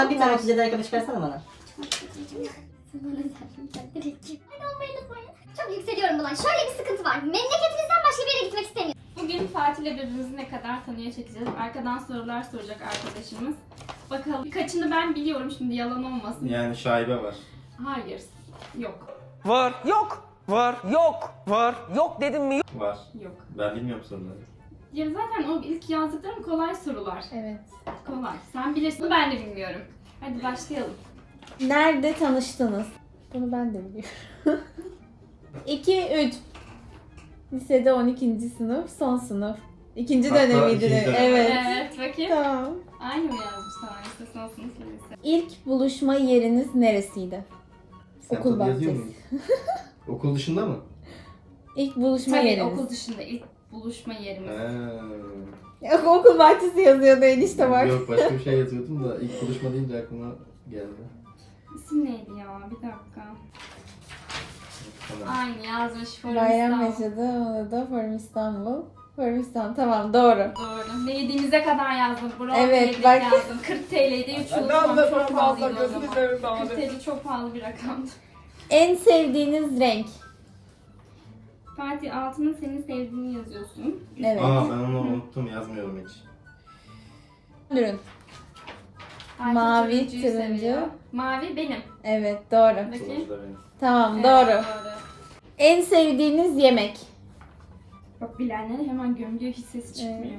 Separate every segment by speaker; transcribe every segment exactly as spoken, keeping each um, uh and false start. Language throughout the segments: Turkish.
Speaker 1: Bir tane otuz yedi ayakkabı çıkarsana bana.
Speaker 2: Çok yükseliyorum buna. Şöyle bir sıkıntı var. Memleketinizden başka bir yere gitmek istemiyorum.
Speaker 3: Bugün Fatih'le birbirimizi ne kadar tanıya çekeceğiz. Arkadan sorular soracak arkadaşımız. Bakalım. Birkaçını ben biliyorum, şimdi yalan olmasın.
Speaker 4: Yani şaibe var.
Speaker 3: Hayır. Yok.
Speaker 5: Var, yok, var, yok, var, yok dedim mi?
Speaker 4: Var.
Speaker 3: Yok.
Speaker 4: Ben bilmiyorum soruları.
Speaker 3: Ya zaten o ilk yazdıklarım kolay sorular.
Speaker 6: Evet.
Speaker 3: Kolay. Sen bilirsin. Ben de bilmiyorum. Hadi başlayalım.
Speaker 6: Nerede tanıştınız? Bunu ben de biliyorum. iki üç. Lisede on ikinci sınıf, son sınıf. İkinci
Speaker 4: Hatta
Speaker 6: dönemiydi.
Speaker 4: ikinci dönem.
Speaker 6: Evet.
Speaker 3: Evet. Bakayım.
Speaker 6: Tamam.
Speaker 3: Aynı mı yazmış? Tamam. İşte son sınıf lise.
Speaker 6: İlk buluşma yeriniz neresiydi?
Speaker 4: Sen
Speaker 6: Okul
Speaker 4: tadı yazıyor
Speaker 6: bahçesi.
Speaker 4: musun? Okul dışında mı?
Speaker 6: İlk buluşma
Speaker 3: Tabii
Speaker 6: yeriniz.
Speaker 3: okul dışında ilk buluşma yerimiz.
Speaker 4: He.
Speaker 6: Yok, okul bahçesi yazıyordu enişte var.
Speaker 4: Yok başka bir şey yazıyordum da ilk buluşma deyince aklıma geldi.
Speaker 3: İsim neydi ya? Bir dakika.
Speaker 4: Tamam.
Speaker 3: Aynı yazmış. Forum
Speaker 6: Bayram
Speaker 3: İstanbul.
Speaker 6: yaşadı, onu da Forum İstanbul. Forum İstanbul, tamam doğru.
Speaker 3: Doğru. Ne yediğimize kadar yazdım. Bravo
Speaker 6: Evet,
Speaker 3: yedik
Speaker 6: bak.
Speaker 3: yazdım. kırk TL'ydi üç yıl sonra çok pahalıydı o zaman. kırk
Speaker 5: abi.
Speaker 3: TL çok pahalı bir rakamdı.
Speaker 6: En sevdiğiniz renk?
Speaker 3: Fatih altına senin sevdiğini yazıyorsun.
Speaker 6: Evet.
Speaker 4: Aa ben onu unuttum yazmıyorum hiç.
Speaker 6: Ürün.
Speaker 3: Fatih
Speaker 6: Mavi,
Speaker 3: turuncuyu
Speaker 6: turuncu.
Speaker 3: seviyor. Mavi benim.
Speaker 6: Evet, doğru.
Speaker 3: Bakayım.
Speaker 4: Sonucu da benim.
Speaker 6: Tamam,
Speaker 3: Evet,
Speaker 6: doğru.
Speaker 3: doğru.
Speaker 6: En sevdiğiniz yemek?
Speaker 3: Bak bilenler hemen gömüyor, hiç sesi çıkmıyor.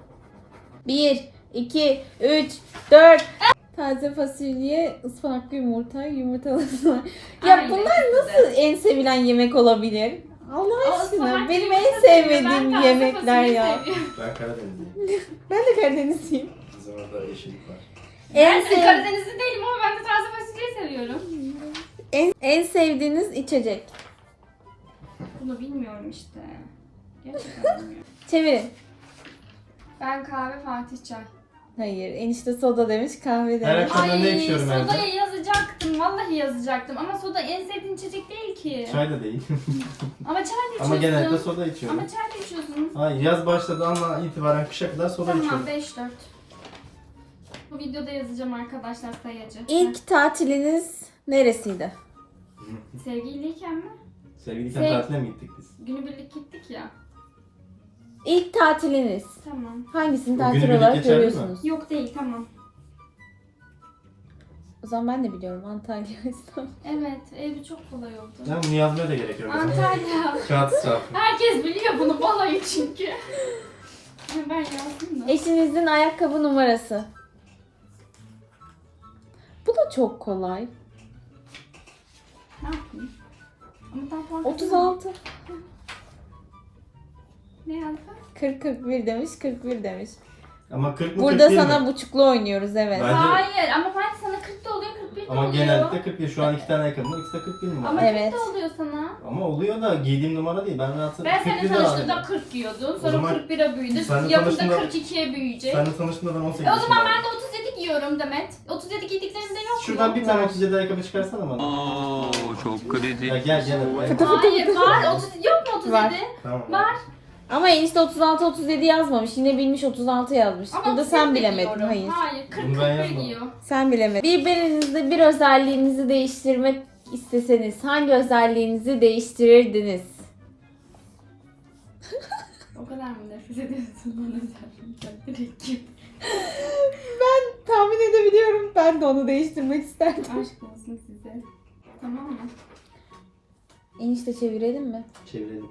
Speaker 6: bir, iki, üç, dört. Taze fasulye, ıspanaklı yumurta, yumurtalı ıspanak. Ya
Speaker 3: Aynen,
Speaker 6: bunlar
Speaker 3: ikisi de.
Speaker 6: nasıl en sevilen yemek olabilir? Allah
Speaker 3: O
Speaker 6: aşkına
Speaker 3: ıspanaklı
Speaker 6: benim
Speaker 3: yumurta
Speaker 6: en
Speaker 3: seviyor,
Speaker 6: sevmediğim
Speaker 3: ben taze
Speaker 6: yemekler
Speaker 3: fasulye
Speaker 6: ya.
Speaker 3: seviyorum.
Speaker 4: Ben Karadenizliyim.
Speaker 6: Ben de Karadenizliyim.
Speaker 4: Bizim orada yeşillik var.
Speaker 6: En,
Speaker 3: Ben de
Speaker 6: sev-
Speaker 3: Karadenizli değilim ama ben de taze fasulye seviyorum.
Speaker 6: en, en sevdiğiniz içecek?
Speaker 3: Bunu bilmiyorum işte. Gerçekten bilmiyorum.
Speaker 6: Çevirin.
Speaker 3: Ben kahve, Fatih çay.
Speaker 6: Hayır, enişte soda demiş, kahve
Speaker 4: Her
Speaker 6: demiş.
Speaker 4: akşam ben ne
Speaker 3: Ay
Speaker 4: içiyorum evde?
Speaker 3: sodayı yazacaktım. Vallahi yazacaktım. Ama soda en sevdiğin içecek değil ki.
Speaker 4: Çay da değil.
Speaker 3: Ama çay da içiyorsun.
Speaker 4: Ama genellikle soda içiyorum.
Speaker 3: Ama çay da içiyorsun.
Speaker 4: Hayır yaz başladı ama itibaren kışa kadar soda
Speaker 3: Tamam
Speaker 4: içiyorum.
Speaker 3: beş dört. Bu videoda yazacağım arkadaşlar sayacı.
Speaker 6: İlk tatiliniz neresiydi?
Speaker 3: Sevgiliyken mi?
Speaker 4: Sevgiliyken
Speaker 3: Sev-
Speaker 4: tatile mi gittik biz?
Speaker 3: Günübirlik gittik ya.
Speaker 6: İlk tatiliniz.
Speaker 3: Tamam.
Speaker 6: Hangisini
Speaker 4: O
Speaker 6: tatil
Speaker 4: günübirlik
Speaker 6: olarak
Speaker 4: geçerli mi?
Speaker 6: görüyorsunuz?
Speaker 3: Yok değil tamam.
Speaker 6: O zaman ben de biliyorum Antalya, İstanbul.
Speaker 3: Evet evi çok kolay oldu.
Speaker 4: Ya bunu yazmaya da gerek yok.
Speaker 3: Antalya.
Speaker 4: Kağıt israfı.
Speaker 3: Herkes biliyor bunu balayı çünkü. Ben yazdım da.
Speaker 6: Eşinizin ayakkabı numarası. Bu da çok kolay.
Speaker 3: Ne yapayım? Ama tam fark
Speaker 6: otuz altı.
Speaker 3: Ne yazdı?
Speaker 6: kırk kırk bir demiş, kırk bir demiş.
Speaker 4: Ama kırk mı
Speaker 6: Burada
Speaker 4: kırk değil
Speaker 6: sana
Speaker 4: mi?
Speaker 6: buçuklu oynuyoruz evet.
Speaker 4: Ben- Bence-
Speaker 3: Hayır ama Fatih sana kırkta oluyor kırk birde
Speaker 4: Ama
Speaker 3: oluyor.
Speaker 4: genellikle kırk bir. Şu an iki tane ayakkabım var. İkisi de kırk bir numara.
Speaker 3: Ama
Speaker 4: Ama,
Speaker 6: Evet.
Speaker 3: kırkta oluyor sana.
Speaker 4: oluyor da giydiğim numara değil. Ben rahatsız
Speaker 3: Ben seninle
Speaker 4: kırk birde
Speaker 3: tanıştığımda
Speaker 4: aldım.
Speaker 3: kırk giyiyordun.
Speaker 4: O
Speaker 3: Sonra
Speaker 4: zaman-
Speaker 3: kırk bire büyüdü.
Speaker 4: Seninle
Speaker 3: Yakında
Speaker 4: tanıştığımda-
Speaker 3: kırk ikiye büyüyecek.
Speaker 4: Seninle tanıştığımda ben on sekiz
Speaker 3: E o zaman
Speaker 4: yaşındaydım.
Speaker 3: ben de otuz yedi giyiyorum Demet. otuz yedi giydiklerimde yok mu?
Speaker 4: Şuradan bir tane otuz yedi ayakkabı çıkarsana bana.
Speaker 5: Oo, çok kritik.
Speaker 4: Ya gel gel.
Speaker 3: Hayır var. otuz yok mu otuz yedi?
Speaker 6: Var.
Speaker 4: Tamam.
Speaker 3: Var.
Speaker 6: Ama enişte otuz altı otuz yedi yazmamış. Yine bilmiş otuz altı yazmış.
Speaker 3: Ama
Speaker 6: Burada
Speaker 3: otuz yedi
Speaker 6: sen
Speaker 3: de
Speaker 6: bilemedin.
Speaker 3: giyiyorum.
Speaker 6: Hayır.
Speaker 3: Hayır. kırk
Speaker 4: Bunu
Speaker 3: kırk
Speaker 4: ben
Speaker 3: bir
Speaker 4: yazmadım.
Speaker 3: giyiyor.
Speaker 6: Sen bilemedin. Birbirinizde bir özelliğinizi değiştirmek isteseniz hangi özelliğinizi değiştirirdiniz?
Speaker 3: O kadar mı nefret ediyorsun bana özellikle? Direkt git.
Speaker 6: Ben tahmin edebiliyorum. Ben de onu değiştirmek isterdim.
Speaker 3: Aşk olsun size. Tamam mı?
Speaker 6: Enişte çevirelim mi?
Speaker 4: Çevirelim.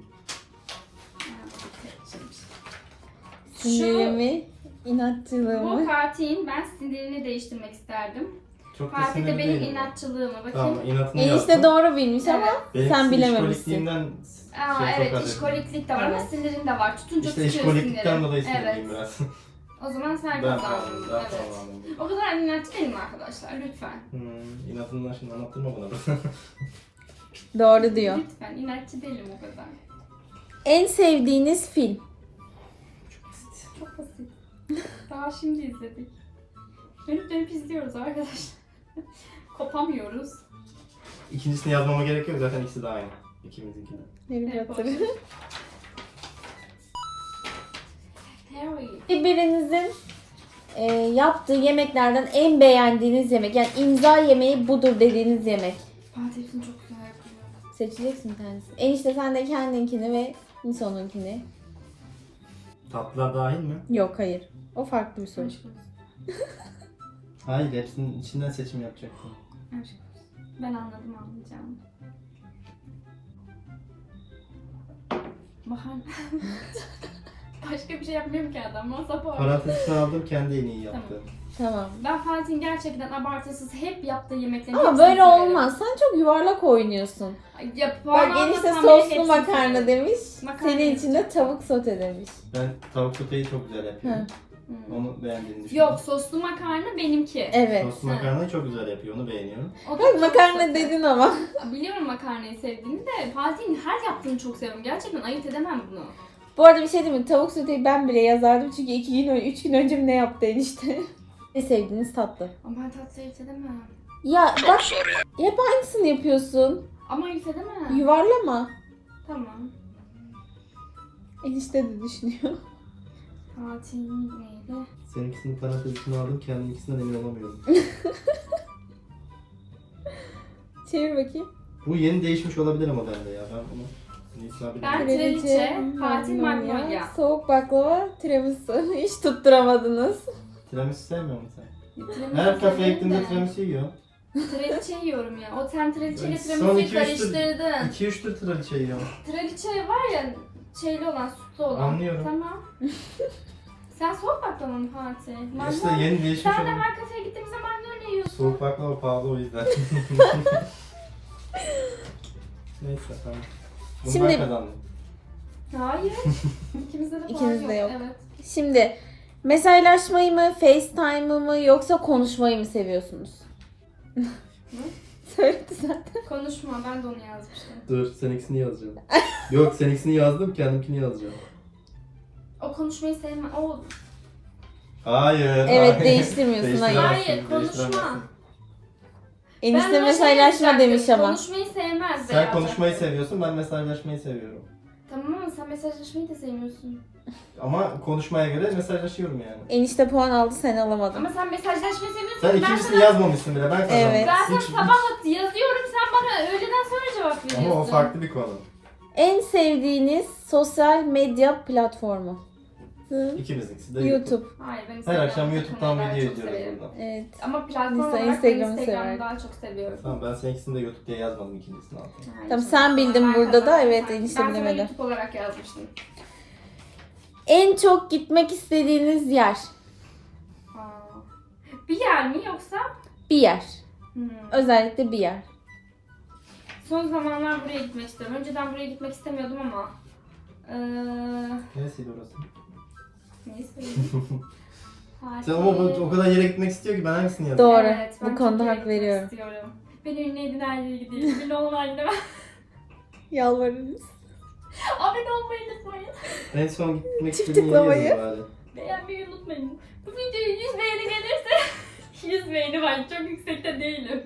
Speaker 6: Sinirimi,
Speaker 3: Bu
Speaker 6: inatçılığımı.
Speaker 3: Fatih'in ben sinirini değiştirmek isterdim.
Speaker 4: Çok da
Speaker 3: Fatih de
Speaker 4: sinirli
Speaker 3: benim
Speaker 4: değilim.
Speaker 3: inatçılığımı. Bakayım.
Speaker 4: Tamam inatını
Speaker 6: Enişte
Speaker 4: yaptım.
Speaker 6: doğru bilmiş ama
Speaker 3: Evet.
Speaker 6: sen
Speaker 4: Benimkisi
Speaker 6: bilememişsin.
Speaker 4: işkolikliğimden
Speaker 3: Aa,
Speaker 4: şey
Speaker 3: evet
Speaker 4: çok
Speaker 3: işkoliklik de var ama
Speaker 6: Evet.
Speaker 3: sinirin de var. Tutunca
Speaker 4: İşte
Speaker 3: tutuyor
Speaker 4: işkoliklikten
Speaker 3: sinirin.
Speaker 4: dolayı
Speaker 3: Evet.
Speaker 4: sinirliyim biraz.
Speaker 3: O zaman sen
Speaker 4: Ben
Speaker 3: kazandın.
Speaker 4: tamam, ben
Speaker 3: Evet.
Speaker 4: tamam.
Speaker 3: O kadar inatçı değilim arkadaşlar. Lütfen.
Speaker 4: Hmm, inatından şimdi anlattırma bana.
Speaker 6: Doğru diyor.
Speaker 3: Lütfen. İnatçı değilim o kadar.
Speaker 6: En sevdiğiniz film?
Speaker 3: Çok basit. Daha şimdi izledik. Dönüp dönüp izliyoruz arkadaşlar. Kopamıyoruz.
Speaker 4: İkincisini yazmama gerek yok zaten ikisi de aynı. İkimizinki de.
Speaker 6: Harry
Speaker 3: Evet,
Speaker 6: Potter.
Speaker 3: Harry.
Speaker 6: Birbirinizin Ee, yaptığı yemeklerden en beğendiğiniz yemek. Yani imza yemeği budur dediğiniz yemek.
Speaker 3: Fatih hepsini çok güzel yapıyor.
Speaker 6: Seçeceksin bir tanesini. Enişte sen de kendinkini ve Niso'nunkini.
Speaker 4: Tatlılar dahil mi?
Speaker 6: Yok hayır. O farklı bir soru.
Speaker 3: Aşk olsun.
Speaker 4: Hayır, hepsinin içinden seçim yapacaktım.
Speaker 3: Aşk olsun. Ben anladım anlayacağım. Bahar. Başka bir şey yapmıyorum ki adam. Masa bu.
Speaker 4: Parantezini aldım, kendi en iyi yaptı.
Speaker 6: Tamam.
Speaker 3: Ben Fatih'in gerçekten abartısız hep yaptığı yemeklerin
Speaker 6: Ama
Speaker 3: hepsini
Speaker 6: böyle
Speaker 3: severim.
Speaker 6: olmaz. Sen çok yuvarlak oynuyorsun.
Speaker 3: Ya, puan
Speaker 6: Bak enişte
Speaker 3: almasam bile
Speaker 6: soslu
Speaker 3: hepsini
Speaker 6: makarna
Speaker 3: severim.
Speaker 6: demiş.
Speaker 3: Makarna
Speaker 6: Senin için de
Speaker 3: yapacağım.
Speaker 6: tavuk sote demiş.
Speaker 4: Ben tavuk soteyi çok güzel yapıyorum.
Speaker 3: Hmm.
Speaker 4: Onu beğendiğini düşünüyorum.
Speaker 3: Yok, soslu makarna benimki.
Speaker 6: Evet.
Speaker 4: Soslu makarnayı çok güzel yapıyor, onu beğeniyorum.
Speaker 3: O da
Speaker 6: Bak
Speaker 3: çok
Speaker 6: makarna
Speaker 3: sote.
Speaker 6: dedin ama.
Speaker 3: Biliyorum makarnayı sevdiğini de Fatih'in her yaptığını çok seviyorum. Gerçekten ayırt edemem bunu.
Speaker 6: Bu arada bir şey diyeyim mi? Tavuk soteyi ben bile yazardım çünkü iki gün, üç gün önce mi ne yaptı enişte? Ne sevdiğiniz tatlı.
Speaker 3: Ama ben tatlı ayırt edemem.
Speaker 6: Ya bak hep aynısını yapıyorsun.
Speaker 3: Ama ayırt edemem.
Speaker 6: Yuvarlama.
Speaker 3: Tamam.
Speaker 6: Enişte de düşünüyor.
Speaker 3: Fatih'in neydi?
Speaker 4: Seninkisinin parantezini aldım, kendimkisinden emin olamıyorum.
Speaker 6: Çevir bakayım.
Speaker 4: Bu yeni değişmiş olabilir ama bende ya. Ben bunu Nisa bile
Speaker 3: Ben-
Speaker 4: bilmiyorum.
Speaker 3: Traliçe, Fatih Magnolia.
Speaker 6: Soğuk baklava, tiramisu. Hiç tutturamadınız.
Speaker 4: Tiramisu sevmiyor musun sen?
Speaker 3: Tiramisu
Speaker 4: Her kafeye
Speaker 3: severim
Speaker 4: gittiğimde
Speaker 3: de.
Speaker 4: tiramisu yiyor.
Speaker 3: Traliçe yiyorum ya. O sen traliçeyle
Speaker 4: Son
Speaker 3: tiramisu'yu
Speaker 4: iki üç tur-
Speaker 3: karıştırdın.
Speaker 4: iki üç tür traliçe yiyor.
Speaker 3: Traliçe var ya şeyli olan, sütlü olan.
Speaker 4: Anlıyorum.
Speaker 3: Tamam. Sen soğuk baklava mı Fatih?
Speaker 4: İşte
Speaker 3: Magnolia.
Speaker 4: yeni değişmiş
Speaker 3: Sen de
Speaker 4: olan.
Speaker 3: her kafeye gittiğimizde magnolia yiyorsun.
Speaker 4: Soğuk baklava pahalı o yüzden. Neyse tamam. Bunu
Speaker 6: Şimdi-
Speaker 4: ben kazandım.
Speaker 3: Hayır. İkimizde de puan
Speaker 6: İkinizde
Speaker 3: yok.
Speaker 6: yok.
Speaker 3: Evet.
Speaker 6: Şimdi mesajlaşmayı mı, FaceTime'ı mı yoksa konuşmayı mı seviyorsunuz? Söyledi zaten.
Speaker 3: Konuşma, ben de onu yazmıştım.
Speaker 4: Dur seninkisini yazacağım. Yok seninkisini yazdım, kendimkini yazacağım.
Speaker 3: O konuşmayı sevmem. O
Speaker 4: Hayır.
Speaker 6: Evet,
Speaker 4: hayır.
Speaker 6: değiştirmiyorsun, hayır.
Speaker 4: Değiştiremezsin,
Speaker 3: Hayır, konuşma.
Speaker 4: değiştiremezsin.
Speaker 6: Enişte
Speaker 3: Ben ona şey
Speaker 6: mesajlaşma
Speaker 3: yazacaktım,
Speaker 6: demiş ama.
Speaker 3: Konuşmayı sevmez de
Speaker 4: Sen
Speaker 3: yazacaktım.
Speaker 4: konuşmayı seviyorsun, ben mesajlaşmayı seviyorum.
Speaker 3: Tamam ama sen mesajlaşmayı da sevmiyorsun.
Speaker 4: Ama konuşmaya göre mesajlaşıyorum yani.
Speaker 6: Enişte puan aldı, sen alamadın.
Speaker 3: Ama sen mesajlaşmayı seviyorsun.
Speaker 4: Sen
Speaker 3: ben
Speaker 4: ikincisini
Speaker 3: sana,
Speaker 4: yazmamışsın bile, ben kazandım.
Speaker 6: Evet.
Speaker 3: ben sana
Speaker 4: Hiç-
Speaker 3: sabah yazıyorum, sen bana öğleden sonra cevap veriyorsun.
Speaker 4: Ama o farklı bir konu.
Speaker 6: En sevdiğiniz sosyal medya platformu? Hı.
Speaker 4: İkimizinkisi de YouTube.
Speaker 6: YouTube.
Speaker 3: Hayır, ben
Speaker 4: Her
Speaker 3: Instagram'ı
Speaker 4: akşam YouTube'dan
Speaker 3: takılmayı daha
Speaker 4: video
Speaker 3: çok
Speaker 4: izliyoruz
Speaker 3: severim.
Speaker 4: buradan.
Speaker 6: Evet.
Speaker 3: Ama platform
Speaker 6: Insta-
Speaker 3: olarak ben
Speaker 6: Instagram'ı
Speaker 3: Instagram'ı
Speaker 6: sever.
Speaker 3: daha çok seviyorum.
Speaker 4: Tamam ben seninkisini de YouTube diye yazmadım, ikincisini aldım.
Speaker 3: Hayır,
Speaker 6: Tamam,
Speaker 3: çok-
Speaker 6: sen bildin
Speaker 3: Ben
Speaker 6: burada da,
Speaker 3: kazandım.
Speaker 6: evet,
Speaker 3: Ben-
Speaker 6: enişte
Speaker 3: Ben
Speaker 6: bilemedi.
Speaker 3: sana YouTube olarak yazmıştım.
Speaker 6: En çok gitmek istediğiniz yer?
Speaker 3: Aa. Bir yer mi yoksa?
Speaker 6: Bir yer.
Speaker 3: Hmm.
Speaker 6: Özellikle bir yer.
Speaker 3: Son zamanlar buraya gitmek istiyorum. Önceden buraya gitmek istemiyordum ama. Ee,
Speaker 4: Neresiydi orası?
Speaker 3: neyse.
Speaker 4: Sen ama bu- o kadar yere gitmek istiyor ki ben hangisini yazayım?
Speaker 6: Doğru.
Speaker 3: Evet, ben
Speaker 6: Bu konuda
Speaker 3: çok
Speaker 6: hak
Speaker 3: gitmek
Speaker 6: veriyorum.
Speaker 3: istiyorum. Ben ünlü edin her yere gideyim. Ünlü olmayan gidemem.
Speaker 6: Yalvarırız.
Speaker 3: Abone olmayı unutmayın.
Speaker 4: En son gitmek
Speaker 6: Çift
Speaker 4: istediğin yeri
Speaker 6: tıklamayı.
Speaker 4: yazayım bari.
Speaker 3: Beğenmeyi unutmayın. Bu videoya yüz beğeni gelirse yüz beğeni var. Çok yüksekte değilim.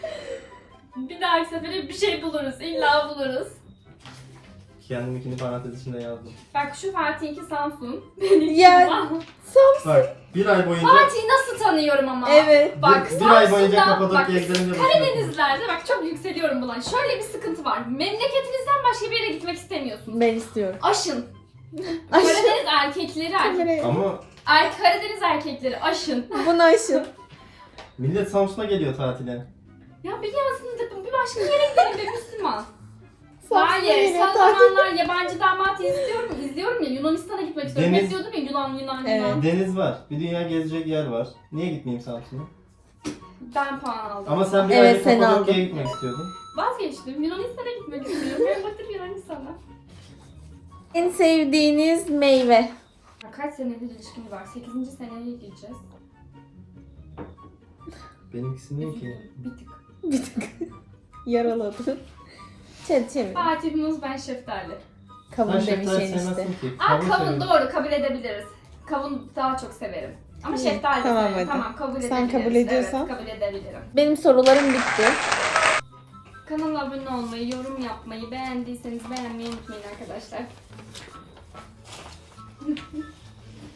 Speaker 3: Bir dahaki sefere bir şey buluruz. İlla buluruz.
Speaker 4: Kendiminkini parantez içinde yazdım.
Speaker 3: Bak şu Fatih'inki Samsun. Benimki
Speaker 6: Ya.
Speaker 3: Van.
Speaker 4: Bak bir ay boyunca
Speaker 3: Fatih'i nasıl tanıyorum ama.
Speaker 6: Evet.
Speaker 3: Bak
Speaker 4: bir, bir ay boyunca
Speaker 3: Samsun'da, bak
Speaker 4: Kapadokya'ya gidelim de
Speaker 3: Karadenizlerde bak çok yükseliyorum buna. Şöyle bir sıkıntı var. Memleketinizden başka bir yere gitmek istemiyorsunuz.
Speaker 6: Ben istiyorum.
Speaker 3: Aşın.
Speaker 6: Aşın.
Speaker 3: Karadeniz erkekleri erkek.
Speaker 4: Ama
Speaker 3: Er, Karadeniz erkekleri aşın.
Speaker 6: Bunu aşın.
Speaker 4: millet Samsun'a geliyor tatile.
Speaker 3: Ya biliyorsun da bir başka yere gidelim be Müslüman.
Speaker 6: Samsun'a
Speaker 3: Hayır,
Speaker 6: geliyor,
Speaker 3: son
Speaker 6: tatil.
Speaker 3: zamanlar yabancı damat izliyorum, izliyorum ya Yunanistan'a gitmek istiyorum.
Speaker 4: Deniz-
Speaker 3: Hep diyordum ya Yunan, Yunan,
Speaker 6: Evet.
Speaker 3: Yunan.
Speaker 4: Deniz var. Bir dünya gezecek yer var. Niye gitmeyeyim Samsun'a?
Speaker 3: Ben puan aldım.
Speaker 4: Ama sen bir
Speaker 6: Evet,
Speaker 4: ay
Speaker 6: sen
Speaker 4: Kapadokya'ya
Speaker 6: aldın.
Speaker 4: gitmek istiyordun.
Speaker 3: Vazgeçtim. Yunanistan'a gitmek istiyorum. Ben batır Yunanistan'a.
Speaker 6: En sevdiğiniz meyve?
Speaker 3: Ya kaç senedir ilişkimiz var? sekizinci seneye gireceğiz.
Speaker 4: Benimkisi ne ki?
Speaker 3: Bir tık.
Speaker 6: Bir tık. Yaraladı. Çevir çevir.
Speaker 3: Fatih Muz, ben şeftali.
Speaker 6: Kavun
Speaker 4: Sen
Speaker 6: demiş
Speaker 4: şeftali
Speaker 6: enişte.
Speaker 4: sevmezsin ki.
Speaker 3: Aa kavun
Speaker 4: seviyorum.
Speaker 3: doğru, kabul edebiliriz. Kavun daha çok severim. Ama
Speaker 6: İyi,
Speaker 3: şeftali de
Speaker 6: tamam
Speaker 3: severim.
Speaker 6: hadi.
Speaker 3: Tamam kabul
Speaker 6: Sen
Speaker 3: edebiliriz.
Speaker 6: kabul ediyorsan.
Speaker 3: Evet kabul edebilirim.
Speaker 6: Benim sorularım bitti.
Speaker 3: Kanala abone olmayı, yorum yapmayı, beğendiyseniz beğenmeyi unutmayın arkadaşlar.